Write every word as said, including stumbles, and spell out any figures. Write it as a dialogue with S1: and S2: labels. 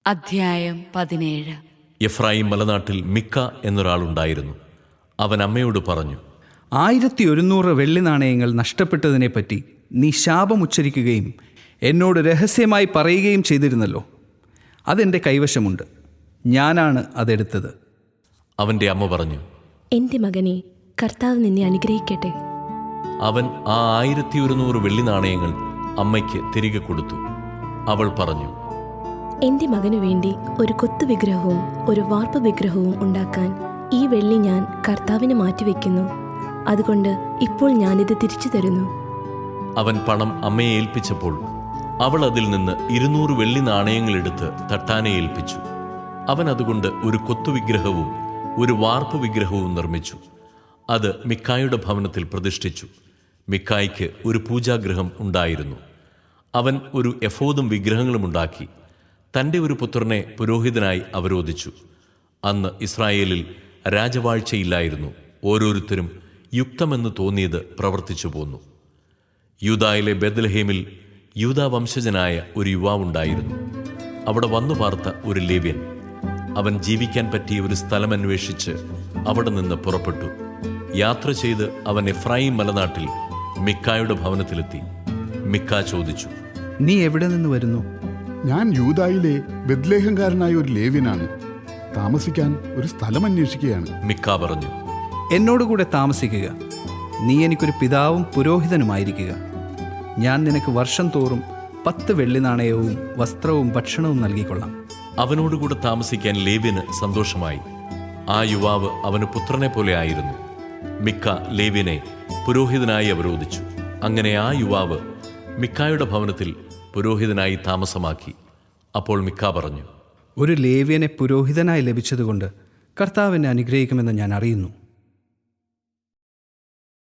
S1: അധ്യായം പതിനേഴ്.
S2: എഫ്രായിം മലനാട്ടിൽ മിക്ക എന്നൊരാളുണ്ടായിരുന്നു. അവൻ അമ്മയോട് പറഞ്ഞു,
S3: ആയിരത്തി ഒരുന്നൂറ് വെള്ളി നാണയങ്ങൾ നഷ്ടപ്പെട്ടതിനെപ്പറ്റി നീ ശാപമുച്ചരിക്കുകയും എന്നോട് രഹസ്യമായി പറയുകയും ചെയ്തിരുന്നല്ലോ. അതെൻ്റെ കൈവശമുണ്ട്, ഞാനാണ് അതെടുത്തത്.
S2: അവൻ്റെ അമ്മ പറഞ്ഞു,
S4: എൻ്റെ മകനെ, കർത്താവ് നിന്നെ അനുഗ്രഹിക്കട്ടെ.
S2: അവൻ ആ ആയിരത്തി ഒരുന്നൂറ് വെള്ളി നാണയങ്ങൾ അമ്മയ്ക്ക് തിരികെ കൊടുത്തു. അവൾ പറഞ്ഞു,
S4: എൻ്റെ മകനു വേണ്ടി ഒരു കൊത്തു വിഗ്രഹവും ഒരു വാർപ്പ് വിഗ്രഹവും ഉണ്ടാക്കാൻ ഈ വെള്ളി ഞാൻ കർത്താവിന് മാറ്റിവെക്കുന്നു. അതുകൊണ്ട് ഇപ്പോൾ ഞാനിത് തിരിച്ചു തരുന്നു.
S2: അവൻ പണം അമ്മയെ ഏൽപ്പിച്ചപ്പോൾ അവൾ അതിൽ നിന്ന് ഇരുന്നൂറ് വെള്ളി നാണയങ്ങളെടുത്ത് തട്ടാനെ ഏൽപ്പിച്ചു. അവൻ അതുകൊണ്ട് ഒരു കൊത്തുവിഗ്രഹവും ഒരു വാർപ്പ് വിഗ്രഹവും നിർമ്മിച്ചു. അത് മിക്കായുടെ ഭവനത്തിൽ പ്രതിഷ്ഠിച്ചു. മിക്കായ്ക്ക് ഒരു പൂജാഗൃഹം ഉണ്ടായിരുന്നു. അവൻ ഒരു എഫോദും വിഗ്രഹങ്ങളും ഉണ്ടാക്കി തൻ്റെ ഒരു പുത്രനെ പുരോഹിതനായി അവരോധിച്ചു. അന്ന് ഇസ്രായേലിൽ രാജവാഴ്ചയില്ലായിരുന്നു. ഓരോരുത്തരും യുക്തമെന്ന് തോന്നിയത് പ്രവർത്തിച്ചു പോന്നു. യൂദായിലെ ബെത്ലഹേമിൽ യൂദാ വംശജനായ ഒരു യുവാവുണ്ടായിരുന്നു. അവിടെ വന്നു പാർത്ത ഒരു ലേവ്യൻ. അവൻ ജീവിക്കാൻ പറ്റിയ ഒരു സ്ഥലം അന്വേഷിച്ച് അവിടെ നിന്ന് പുറപ്പെട്ടു. യാത്ര ചെയ്ത് അവൻ എഫ്രായിം മലനാട്ടിൽ മിക്കായുടെ ഭവനത്തിലെത്തി. മിക്ക ചോദിച്ചു,
S3: നീ എവിടെ നിന്ന് വരുന്നു?
S5: ഞാൻ യൂദായിലെ ബെത്ലേഹംകാരനായ ഒരു ലേവ്യനാണ്. താമസിക്കാൻ ഒരു സ്ഥലം അന്വേഷിക്കുകയാണ്.
S2: മിക്ക പറഞ്ഞു,
S3: എന്നോടുകൂടെ താമസിക്കുക. നീ എനിക്കൊരു പിതാവും പുരോഹിതനുമായിരിക്കുക. ഞാൻ നിനക്ക് വർഷം തോറും പത്ത് വെള്ളി നാണയവും വസ്ത്രവും ഭക്ഷണവും നൽകിക്കൊള്ളാം.
S2: അവനോടുകൂടെ താമസിക്കാൻ ലേവ്യന് സന്തോഷമായി. ആ യുവാവ് അവന് പുത്രനെ പോലെ ആയിരുന്നു. മിക്ക ലേവ്യനെ പുരോഹിതനായി അവരോധിച്ചു. അങ്ങനെ ആ യുവാവ് മിക്കായുടെ ഭവനത്തിൽ പുരോഹിതനായി താമസമാക്കി. അപ്പോൾ മിക്ക പറഞ്ഞു,
S3: ഒരു ലേവ്യനെ പുരോഹിതനായി ലഭിച്ചതുകൊണ്ട് കർത്താവിനെ അനുഗ്രഹിക്കുമെന്ന് ഞാൻ അറിയുന്നു.